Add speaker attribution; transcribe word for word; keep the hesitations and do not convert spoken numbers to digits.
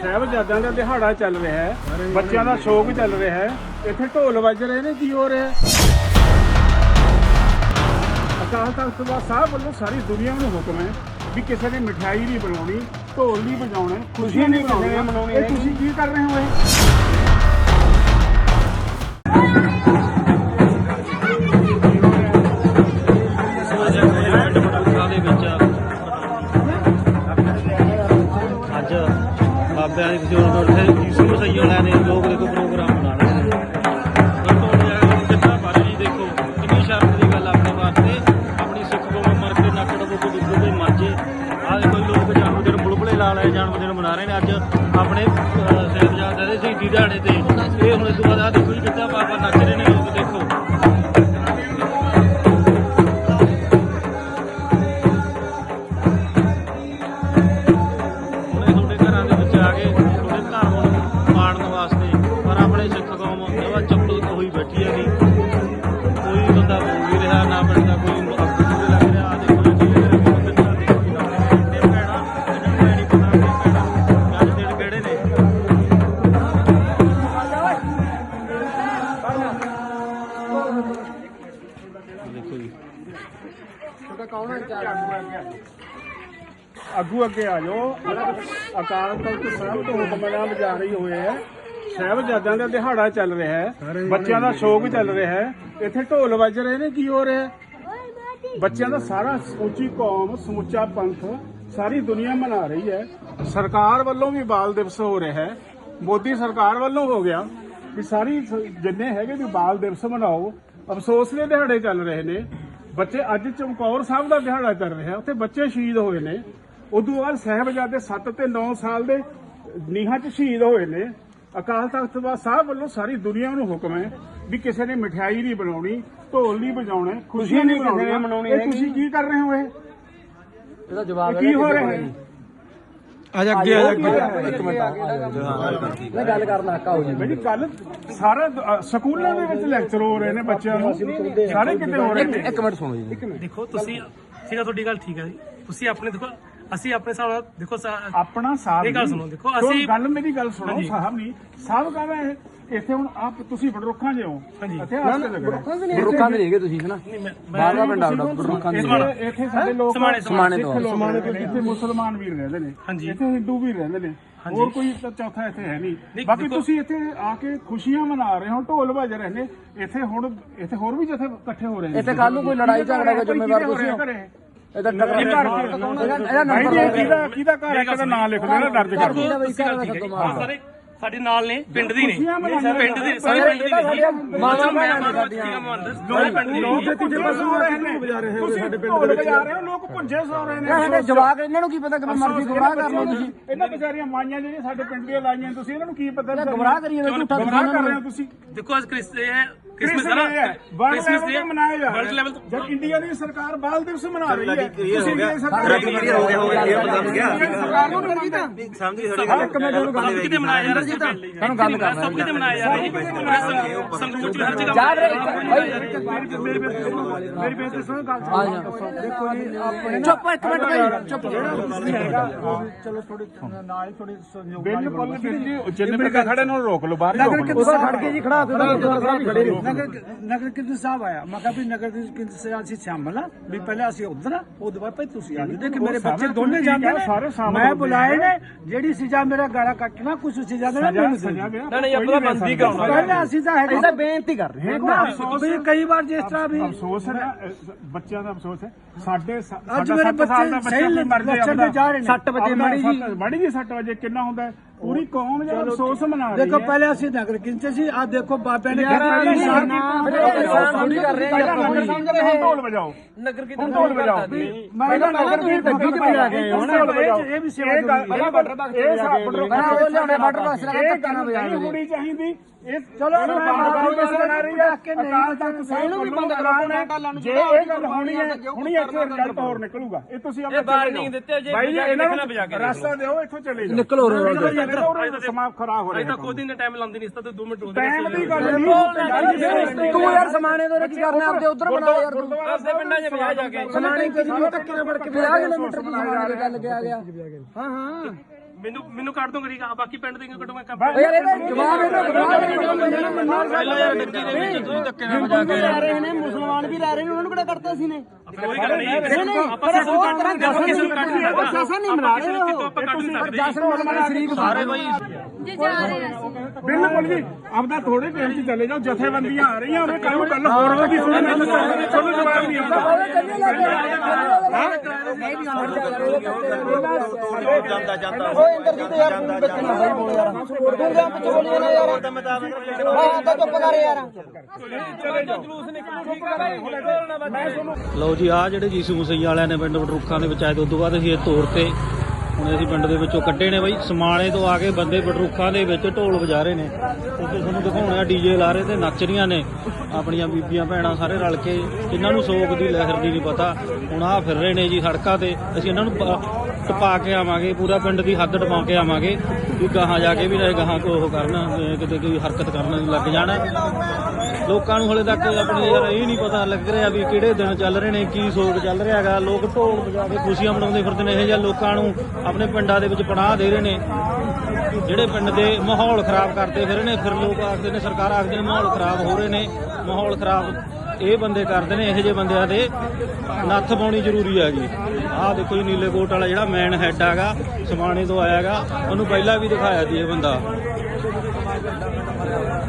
Speaker 1: ਸਾਹਿਬਜ਼ਾਦਿਆਂ ਦਾ ਦਿਹਾੜਾ ਚੱਲ ਰਿਹਾ ਹੈ, ਬੱਚਿਆਂ ਦਾ ਸ਼ੌਕ ਚੱਲ ਰਿਹਾ ਹੈ, ਇੱਥੇ ਢੋਲ ਵੱਜ ਰਹੇ ਨੇ। ਕੀ ਹੋ ਰਿਹਾ? ਅਕਾਲ ਤਖਤ ਸਾਹਿਬ ਵੱਲੋਂ ਸਾਰੀ ਦੁਨੀਆ ਨੂੰ ਹੁਕਮ ਹੈ ਵੀ ਕਿਸੇ ਨੇ ਮਠਿਆਈ ਨਹੀਂ ਬਣਾਉਣੀ, ਢੋਲ ਨਹੀਂ ਵਜਾਉਣੇ, ਖੁਸ਼ੀਆਂ ਨਹੀਂ ਮਨਾਉਣੀ। ਇਹ ਤੁਸੀਂ ਕੀ ਕਰ ਰਹੇ ਹੋ? ਇਹ
Speaker 2: ਬਾਬਿਆਂ ਦੀ ਕਿਸੇ ਹੋਰ ਕਿਸੇ ਸਹੀ ਵਾਲਿਆਂ ਨੇ ਲੋਕ ਦੇਖੋ ਪ੍ਰੋਗਰਾਮ ਬਣਾ ਰਹੇ ਨੇ। ਕਿੰਨਾ ਭਾਰੀ ਦੇਖੋ, ਕਿੰਨੀ ਸ਼ਰਮ ਦੀ ਗੱਲ ਆਪਣੇ ਵਾਸਤੇ। ਆਪਣੀ ਸਿੱਖ ਕੌਮ ਮਰ ਕੇ ਨੱਕ ਡਬੋ ਕੋ ਦੁੱਧ ਕੋਈ ਮਰਜੇ। ਆਹ ਦੇਖੋ ਲੋਕ ਜਨਮ ਦਿਨ ਬੁਲਬੁਲੇ ਲਾ ਲਏ, ਜਨਮ ਦਿਨ ਮਨਾ ਰਹੇ ਨੇ ਅੱਜ ਆਪਣੇ ਸਾਹਿਬਜ਼ਾਦਿਆਂ ਦੇ ਸ਼ਹੀਦੀ ਦਿਹਾੜੇ ਤੇ। ਇਹ ਹੁਣ ਇਸ ਤੋਂ ਬਾਅਦ ਆਹ ਦੇਖੋ ਜੀ ਕਿੱਦਾਂ ਬਾਬਾ ਨੱਚ ਰਹੇ ਨੇ ਲੋਕ ਦੇਖੋ। ਆਗੂ ਅੱਗੇ ਆ ਜਾਓ। ਅਕਾਲ ਤਖਤ ਸਾਹਿਬ ਤੋਂ ਹੁਕਮਨਾਮਾ ਜਾਰੀ ਹੋਏ ਹੈ। ਸਾਹਿਬਜ਼ਾਦਿਆਂ ਦਾ ਦਿਹਾੜਾ ਚੱਲ ਰਿਹਾ ਹੈ, ਬੱਚਿਆਂ ਦਾ ਸ਼ੌਕ ਚੱਲ ਰਿਹਾ ਹੈ, ਇੱਥੇ ਢੋਲ ਵੱਜ ਰਹੇ ਨੇ। ਕੀ ਹੋ ਰਿਹਾ? ਬੱਚਿਆਂ ਦਾ ਸਾਰਾ ਸਮੁੱਚੀ ਕੌਮ, ਸਮੁੱਚਾ ਪੰਥ, ਸਾਰੀ ਦੁਨੀਆ ਮਨਾ ਰਹੀ ਹੈ। ਸਰਕਾਰ ਵੱਲੋਂ ਵੀ ਬਾਲ ਦਿਵਸ ਹੋ ਰਿਹਾ ਹੈ, ਮੋਦੀ ਸਰਕਾਰ ਵੱਲੋਂ ਹੋ ਗਿਆ ਵੀ ਸਾਰੀ ਜਿੰਨੇ ਹੈਗੇ ਵੀ ਬਾਲ ਦਿਵਸ ਮਨਾਓ। ਅਫਸੋਸ ਦੇ ਦਿਹਾੜੇ ਚੱਲ ਰਹੇ ਨੇ ਬੱਚੇ। ਅੱਜ ਚਮਕੌਰ ਸਾਹਿਬ ਦਾ ਦਿਹਾੜਾ ਚੱਲ ਰਿਹਾ, ਉੱਥੇ ਬੱਚੇ ਸ਼ਹੀਦ ਹੋਏ ਨੇ। ਉਦੋਂ ਬਾਅਦ ਸਾਹਿਬਜ਼ਾਦੇ ਸੱਤ ਤੇ ਨੌ ਸਾਲ ਦੇ ਨੀਹਾਂ 'ਚ ਸ਼ਹੀਦ ਹੋਏ ਨੇ। ਅਕਾਲ ਤਖਤ ਸਾਹਿਬ ਵੱਲੋਂ ਸਾਰੀ ਦੁਨੀਆ ਨੂੰ ਹੁਕਮ ਹੈ ਵੀ ਕਿਸੇ ਨੇ ਮਠਿਆਈ ਨਹੀਂ ਬਣਾਉਣੀ, ਢੋਲ ਨਹੀਂ ਵਜਾਉਣੇ, ਖੁਸ਼ੀਆਂ ਨਹੀਂ ਮਨਾਉਣੀ। ਇਹ ਤੁਸੀਂ ਕੀ ਕਰ ਰਹੇ ਹੋ? ਇਹ ਇਹਦਾ ਜਵਾਬ ਕੀ ਹੋ ਰਿਹਾ ਹੈ?
Speaker 3: ਅੱਜ ਅੱਗੇ ਆ
Speaker 1: ਇੱਕ ਮਿੰਟ
Speaker 3: ਮੈਂ ਗੱਲ ਕਰਨਾ ਕਾਓ ਜੀ।
Speaker 1: ਬਈ ਕੱਲ ਸਾਰਾ ਸਕੂਲਾਂ ਦੇ ਵਿੱਚ ਲੈਕਚਰ ਹੋ ਰਹੇ ਨੇ ਬੱਚਿਆਂ ਨੂੰ, ਸਾਰੇ ਕਿਤੇ ਹੋ ਰਹੇ ਨੇ।
Speaker 3: ਇੱਕ ਮਿੰਟ ਸੁਣੋ ਜੀ।
Speaker 4: ਦੇਖੋ ਤੁਸੀਂ ਠੀਕ ਆ, ਤੁਹਾਡੀ ਗੱਲ ਠੀਕ ਹੈ ਜੀ। ਤੁਸੀਂ ਆਪਣੇ ਦੇਖੋ, ਅਸੀਂ ਆਪਣੇ ਹਿਸਾਬ ਨਾਲ ਦੇਖੋ
Speaker 1: ਆਪਣਾ ਸਾਥ।
Speaker 4: ਇਹ ਗੱਲ ਸੁਣੋ, ਦੇਖੋ ਅਸੀਂ
Speaker 1: ਗੱਲ ਮੇਰੀ ਗੱਲ ਸੁਣੋ। ਸਾਹਿਬ ਨਹੀਂ ਸਾਹਿਬ ਕਹਿੰਦਾ ਇਹ ਇੱਥੇ ਹੁਣ ਆਪ ਤੁਸੀਂ ਬੜਰੁੱਖਾਂ ਜੇ ਹੋ। ਇੱਥੇ
Speaker 3: ਬੜਰੁੱਖਾਂ ਦੇ ਨਹੀਂ ਹੈਗੇ ਤੁਸੀਂ ਹਨਾ। ਬਾਹਰ ਦਾ ਪਿੰਡ ਆਉਂਦਾ ਬੜਰੁੱਖਾਂ ਦੇ।
Speaker 1: ਇੱਥੇ ਸਾਡੇ ਲੋਕ
Speaker 4: ਸਮਾਣੇ
Speaker 3: ਸਮਾਣੇ ਤੋਂ
Speaker 1: ਇੱਥੇ ਮੁਸਲਮਾਨ ਵੀ ਰਹਿੰਦੇ ਨੇ, ਇੱਥੇ ਹਿੰਦੂ ਵੀ ਰਹਿੰਦੇ ਨੇ, ਹੋਰ ਕੋਈ ਚੌਥਾ ਇੱਥੇ ਹੈ ਨਹੀਂ। ਬਾਕੀ ਤੁਸੀਂ ਇੱਥੇ ਆ ਕੇ ਖੁਸ਼ੀਆਂ ਮਨਾ ਰਹੇ ਹੋ, ਢੋਲ ਵੱਜ ਰਹੇ ਨੇ। ਇੱਥੇ ਹੁਣ ਇੱਥੇ ਹੋਰ ਵੀ ਜਿੱਥੇ ਇਕੱਠੇ ਹੋ ਰਹੇ ਨੇ।
Speaker 3: ਇੱਥੇ ਕੱਲ ਨੂੰ ਕੋਈ ਲੜਾਈ ਝਗੜਾ ਦਾ ਜ਼ਿੰਮੇਵਾਰ ਤੁਸੀਂ ਹੋ। ਇਹਦਾ
Speaker 1: ਕਿਹਦਾ ਕਿਹਦਾ ਘਰ ਹੈ? ਕਿਹਦਾ ਨਾਂ ਲਿਖ ਲੈਣਾ ਦਰਜ ਕਰ ਦਿਓ।
Speaker 4: ਸਾਰੇ ਸਾਡੇ ਨਾਲ ਨੇ, ਪਿੰਡ ਦੀ ਨੇ, ਪਿੰਡ ਦੇ ਸਾਰੇ ਪਿੰਡ ਦੀ ਨੇ। ਮਾਮਾ ਮੈਂ ਦੋਵੇਂ ਪਿੰਡ ਦੇ
Speaker 1: ਲੋਕ ਇੱਥੇ ਪਸ਼ੂ ਹੋ ਰਹੇ ਨੇ, ਵਜਾ ਰਹੇ ਹੋ ਸਾਡੇ ਪਿੰਡ ਦੇ ਵਿੱਚ। ਲੋਕ ਭੁੰਜੇ ਸੌ ਰਹੇ ਨੇ।
Speaker 3: ਇਹ ਜਵਾਕ ਇਹਨਾਂ ਨੂੰ ਕੀ ਪਤਾ ਕਿ ਮਰਜ਼ੀ ਗੁੰਮਰਾਹ ਕਰ ਲਓ ਤੁਸੀਂ।
Speaker 1: ਇਹਨਾਂ ਵਿਚਾਰੀਆਂ ਮਾਈਆਂ ਜਿਹੜੀਆਂ ਸਾਡੇ ਪਿੰਡ ਦੀਆਂ ਲਾਈਆਂ ਤੁਸੀਂ, ਇਹਨਾਂ ਨੂੰ ਕੀ ਪਤਾ?
Speaker 3: ਗੁੰਮਰਾਹ ਕਰੀਏ ਝੂਠਾ
Speaker 1: ਗੁੰਮਰਾਹ ਕਰ ਰਹੇ ਹੋ ਤੁਸੀਂ।
Speaker 4: ਦੇਖੋ ਅੱਜ ਕ੍ਰਿਸਮਸ ਹੈ,
Speaker 1: ਕ੍ਰਿਸਮਸ ਹੈ, ਵਰਲਡ ਲੈਵਲ ਤੇ ਮਨਾਇਆ ਜਾ ਰਿਹਾ ਹੈ। ਜਦ ਇੰਡੀਆ ਦੀ ਸਰਕਾਰ ਬਾਲ ਦਿਵਸ ਮਨਾ ਰਹੀ ਹੈ, ਤੁਸੀਂ ਇੰਡੀਆ ਸਰਕਾਰ
Speaker 2: ਹੋ ਗਿਆ ਹੋ ਗਿਆ ਹੋ ਗਿਆ
Speaker 1: ਸਰਕਾਰ ਨੂੰ ਨਹੀਂ ਕੀਤਾ।
Speaker 2: ਸਮਝੀ ਥੋੜੀ ਗੱਲ
Speaker 4: ਕਿਤੇ ਮਨਾਇਆ ਜਾ ਰਿਹਾ
Speaker 3: ਸਾਨੂੰ ਗੱਲ ਕਰਨਾ
Speaker 4: ਸਭ ਕਿਤੇ ਮਨਾਇਆ ਜਾ ਰਿਹਾ ਹੈ। ਸੰਗਰੂਰ ਹਰ ਜਗ੍ਹਾ
Speaker 3: ਯਾਦ ਰਹੇ
Speaker 1: ਮੇਰੀ ਬੇਨਤੀ ਸੁਣੋ ਗੱਲ। ਦੇਖੋ ਜੀ ਆਪਣੇ
Speaker 3: ਚੁੱਪ ਇੱਕ ਮਿੰਟ ਭਾਈ ਚੁੱਪ।
Speaker 1: ਚਲੋ ਥੋੜੀ ਨਾਲ ਥੋੜੀ ਬਿਲਕੁਲ ਜਿੰਨੇ ਵੀ ਖੜੇ ਨੂੰ ਰੋਕ ਲਓ, ਬਾਹਰ ਰੋਕ ਲਓ।
Speaker 3: ਖੜ ਕੇ ਜੀ ਖੜਾ
Speaker 5: ਨਗਰ ਨਗਰ ਕੀਰਤਨ ਸਾਹਿਬ ਆਇਆ। ਮੈਂ ਕਿਹਾ ਵੀ ਨਗਰ ਕੀਰਤਨ ਸਾਹਿਬ ਅਸੀਂ ਸ਼ਾਮਲ ਆ ਵੀ ਪਹਿਲਾਂ ਅਸੀਂ ਉਧਰ ਆ, ਉਹਦੇ ਬਾਅਦ ਭਾਈ ਤੁਸੀਂ ਆ ਜਾਓ ਕਿ ਮੇਰੇ ਬੱਚੇ ਦੋਨੇ ਜਾਂਦੇ ਨੇ। ਮੈਂ ਬੁਲਾਏ ਨੇ, ਜਿਹੜੀ ਸਜ਼ਾ ਮੇਰਾ ਗਾਲਾ ਕੱਟਣਾ ਕੁਝ ਸਜ਼ਾ ਦੇਣਾ ਮੈਨੂੰ ਸਜ਼ਾ
Speaker 4: ਨਾ ਨਹੀਂ ਆਪਣਾ ਬੰਦੀ ਕਰਾਉਣਾ।
Speaker 5: ਪਹਿਲਾਂ ਅਸੀਂ ਤਾਂ
Speaker 3: ਅਸੀਂ ਤਾਂ ਬੇਨਤੀ ਕਰ ਰਹੇ ਹਾਂ
Speaker 5: ਵੀ ਕਈ ਵਾਰ ਜਿਸ ਤਰ੍ਹਾਂ ਵੀ
Speaker 1: ਅਫਸੋਸ ਹੈ ਨਾ, ਬੱਚਿਆਂ ਦਾ ਅਫਸੋਸ ਹੈ। ਸਾਡੇ
Speaker 5: ਅੱਜ ਮੇਰੇ ਬੱਚੇ ਸਹੀ ਲੱਛਣ ਤੇ ਜਾ ਰਹੇ ਨੇ।
Speaker 3: ਸੱਤ ਵਜੇ ਮਾੜੀ ਜੀ
Speaker 1: ਮਾੜੀ ਜੀ ਸੱਤ ਵਜੇ ਕਿੰਨਾ ਹੁੰਦਾ? ਪੂਰੀ ਕੌਮ ਜਿਹੜਾ ਅਫਸੋਸ ਮਨਾ ਰਹੀ ਹੈ।
Speaker 5: ਦੇਖੋ ਪਹਿਲੇ ਅਸੀਂ ਨਗਰ ਕੀਰਤਨ ਸੀ, ਆ ਦੇਖੋ ਬਾਬਿਆਂ ਨੇ
Speaker 3: ਥੋੜੀ ਕਰ ਰਹੇ
Speaker 1: ਹਾਂ। ਢੋਲ ਵਜਾਓ,
Speaker 4: ਨਗਰ ਕੀਰਤਨ
Speaker 1: ਢੋਲ ਵਜਾਓ।
Speaker 5: ਮੈਂ ਤਾਂ ਨਗਰ ਕੀਰਤਨ ਗੱਡੀ ਤੇ ਆ ਗਏ ਹੁਣ। ਇਹ ਵੀ ਸੇਵਾ
Speaker 1: ਇਹ ਵਾਟਰ ਬਾਕਸ ਇਹ ਸਾਬਰ
Speaker 3: ਉਹ ਲਿਆਉਣੇ ਵਾਟਰ ਬਾਕਸ ਲਗਾ ਧੱਕਾ ਨਾ ਵਜਾ
Speaker 1: ਨਹੀਂ ਹੋਣੀ ਚਾਹੀਦੀ। ਇਹ
Speaker 5: ਚਲੋ
Speaker 1: ਬਣਾ ਰਹੀ ਹੈ ਅਕਾਲ ਤਖਤ ਸਾਹਿਬ ਨੂੰ ਵੀ ਬੰਦ ਕਰਾਉਣਾ। ਜੇ ਇਹ ਗੱਲ ਹੋਣੀ ਹੈ ਹੁਣੀ ਇੱਥੇ ਰਿਜ਼ਲਟ ਹੋਰ ਨਿਕਲੂਗਾ। ਇਹ ਤੁਸੀਂ ਆਪਣੇ
Speaker 4: ਵਾਰਨਿੰਗ ਦਿੱਤੇ ਜੇ
Speaker 1: ਭਾਈ ਇਹਨਾਂ ਨੂੰ ਰਸਤਾ ਦਿਓ, ਇੱਥੋਂ ਚਲੇ ਜਾਓ।
Speaker 3: ਨਿਕਲੋ
Speaker 1: ਸਮਾਂ ਖਰਾਬ ਹੋ
Speaker 4: ਅਜੇ
Speaker 1: ਰਿਹਾ।
Speaker 4: ਤਾਂ ਕੋਈ ਦਿਨ ਟਾਈਮ ਲਾਉਂਦੇ ਨਹੀਂ, ਇਸ ਤਾਂ ਦੋ ਮਿੰਟ
Speaker 1: ਟਾਈਮ ਦੀ ਗੱਲ ਨਹੀਂ।
Speaker 3: ਤੂੰ ਯਾਰ ਸਮਾਣੇ ਤੋਂ ਕੀ ਕਰਨਾ ਆਪਦੇ ਉਧਰ ਬਣਾ ਯਾਰ ਤੂੰ
Speaker 4: ਆਪਦੇ ਪਿੰਡਾਂ 'ਚ ਵਿਆਹ ਜਾ ਕੇ
Speaker 3: ਸਮਾਣੇ ਕਿੰਨੀ ਧੱਕੇ ਨਾਲ ਫੜ ਕੇ ਪੰਜਾਹ ਕਿਲੋਮੀਟਰ ਦੀ ਸਮਾਣੇ ਦੀ ਗੱਲ ਕਿਹਾ ਗਿਆ। ਹਾਂ ਹਾਂ
Speaker 4: ਮੈਨੂੰ ਮੈਨੂੰ ਕੱਢ ਦੋ ਕਰੀ ਬਾਕੀ ਪਿੰਡ ਦੇ ਕੱਢੋ ਮੈਂ
Speaker 3: ਯਾਰ ਇਹਦਾ ਜਵਾਬ ਇਹਦਾ ਪਹਿਲਾਂ ਯਾਰ ਡੱਕੀ ਦੇ ਵਿੱਚ ਤੁਸੀਂ ਧੱਕੇ ਨਾਲ ਵਜਾ ਕੇ
Speaker 6: ਲੈ ਰਹੇ ਨੇ ਮੁਸਲਮਾਨ ਵੀ ਲੈ ਰਹੇ ਨੇ ਉਹਨਾਂ ਨੂੰ ਕਿਹੜਾ ਕੱਢਤਾ ਸੀ ਨੇ
Speaker 4: ਕੋਈ ਗੱਲ ਨਹੀਂ ਆਪਾਂ ਸੈਸ਼ਨ ਕੱਢ ਦਾਂਗੇ ਆਪਾਂ ਕਿਸੇ ਨੂੰ ਕੱਢ ਨਹੀਂ
Speaker 6: ਉਹ ਸੈਸ਼ਨ ਨਹੀਂ ਮਨਾ ਰਹੇ
Speaker 4: ਕਿਤੋਂ ਆਪਾਂ ਕੱਢ ਨਹੀਂ ਸਕਦੇ
Speaker 5: ਜਸਨ ਮਲਮਲ ਸ਼ਰੀਕ
Speaker 3: ਸਾਰੇ ਬਾਈ
Speaker 7: ਜੇ ਜਾ ਰਹੇ ਅਸੀਂ
Speaker 2: ਬਿਲਕੁਲ ਜੀ ਆਪਦਾ ਥੋੜੇ ਟਾਈਮ 'ਚ ਚਲੇ ਜਾਓ ਜਥੇਬੰਦੀਆਂ ਆ ਰਹੀਆਂ ਉਹਨੇ ਕੱਲ ਕੱਲ ਹੋਰ ਵੀ ਸੁਣਨਾ ਤੁਹਾਨੂੰ ਜਵਾਬ ਨਹੀਂ ਆਉਂਦਾ
Speaker 3: ਜਾਂਦਾ ਜਾਂਦਾ
Speaker 6: ਓਏ ਇੰਦਰਜੀਤ ਯਾਰ ਤੂੰ ਵਿੱਚ ਨਾ ਬਾਈ ਬੋਲ ਯਾਰ ਤੂੰ ਜਾਂ ਪਿੱਛੇ ਬੋਲੀ ਨਾ ਯਾਰ ਹਾਂ ਤਾਂ ਚੁੱਪ ਕਰ ਯਾਰ
Speaker 8: ਲਓ ਜੀ ਆ ਜਿਹੜੇ ਜੀਸੂ ਮਸੀਹ ਵਾਲਿਆਂ ਨੇ ਪਿੰਡ ਬਟਰੁੱਖਾਂ ਦੇ ਵਿੱਚ ਆਏ ਤੇ ਉਦੋਂ ਬਾਅਦ ਅਸੀਂ ਇਹ ਤੋੜ ਤੇ ਹੁਣ ਅਸੀਂ ਪਿੰਡ ਦੇ ਵਿੱਚੋਂ ਕੱਢੇ ਨੇ ਬਾਈ ਸਮਾਣੇ ਤੋਂ ਆ ਕੇ ਬੰਦੇ ਬਟਰੁੱਖਾਂ ਦੇ ਵਿੱਚ ਢੋਲ ਵਜਾ ਰਹੇ ਨੇ ਤੇ ਤੁਹਾਨੂੰ ਦਿਖਾਉਣੇ ਆ ਡੀਜੇ ਲਾ ਰਹੇ ਤੇ ਨੱਚ ਰਹੀਆਂ ਨੇ ਆਪਣੀਆਂ ਬੀਬੀਆਂ ਭੈਣਾਂ ਸਾਰੇ ਰਲ ਕੇ ਇਹਨਾਂ ਨੂੰ ਸੋਗ ਦੀ ਲਹਿਰ ਦੀ ਨਹੀਂ ਪਤਾ ਹੁਣ ਆ ਫਿਰ ਰਹੇ ਨੇ ਜੀ ਸੜਕਾਂ ਤੇ ਅਸੀਂ ਇਹਨਾਂ ਨੂੰ ਟਪਾ ਕੇ ਆਵਾਂਗੇ ਪੂਰਾ ਪਿੰਡ ਦੀ ਹੱਦ ਟਪਾ ਕੇ ਆਵਾਂਗੇ ਵੀ ਗਾਹਾਂ ਜਾ ਕੇ ਵੀ ਨਾ ਗਾਹਾਂ ਕੋ ਉਹ ਕਰਨ ਕਿਤੇ ਕੋਈ ਹਰਕਤ ਕਰਨ ਲੱਗ ਜਾਣ ਲੋਕਾਂ ਨੂੰ ਹਲੇ ਤੱਕ ਆਪਣੀ ਯਾਰ ਇਹ ਨਹੀਂ ਪਤਾ ਲੱਗ ਰਿਹਾ ਵੀ ਕਿਹੜੇ ਦਿਨ ਚੱਲ ਰਹੇ ਨੇ ਕੀ ਸੋਗ ਚੱਲ ਰਿਹਾ ਹੈਗਾ ਲੋਕ ਢੋਲ ਵਜਾ ਕੇ ਖੁਸ਼ੀਆਂ ਮਨਾਉਂਦੇ ਫਿਰਦੇ ਨੇ ਇਹੋ ਜਿਹਾ ਲੋਕਾਂ ਨੂੰ ਆਪਣੇ ਪਿੰਡਾਂ ਦੇ ਵਿੱਚ ਪਨਾਹ ਦੇ ਰਹੇ ਨੇ ਜਿਹੜੇ ਪਿੰਡ ਦੇ ਮਾਹੌਲ ਖਰਾਬ ਕਰਦੇ ਫਿਰ ਨੇ ਫਿਰ ਲੋਕ ਆਖਦੇ ਨੇ ਸਰਕਾਰ ਆਖਦੇ ਨੇ ਮਾਹੌਲ ਖਰਾਬ ਹੋ ਰਹੇ ਨੇ ਮਾਹੌਲ ਖਰਾਬ ਇਹ ਬੰਦੇ ਕਰਦੇ ਨੇ ਇਹੋ ਜਿਹੇ ਬੰਦਿਆਂ ਦੇ ਨੱਥ ਪਾਉਣੀ ਜ਼ਰੂਰੀ ਹੈਗੀ ਆਹ ਦੇਖੋ ਜੀ ਨੀਲੇ ਕੋਟ ਵਾਲਾ ਜਿਹੜਾ ਮੈਨ ਹੈਡ ਹੈਗਾ ਸਮਾਣੇ ਤੋਂ ਆਇਆ ਹੈਗਾ ਉਹਨੂੰ ਪਹਿਲਾਂ ਵੀ ਦਿਖਾਇਆ ਸੀ ਇਹ ਬੰਦਾ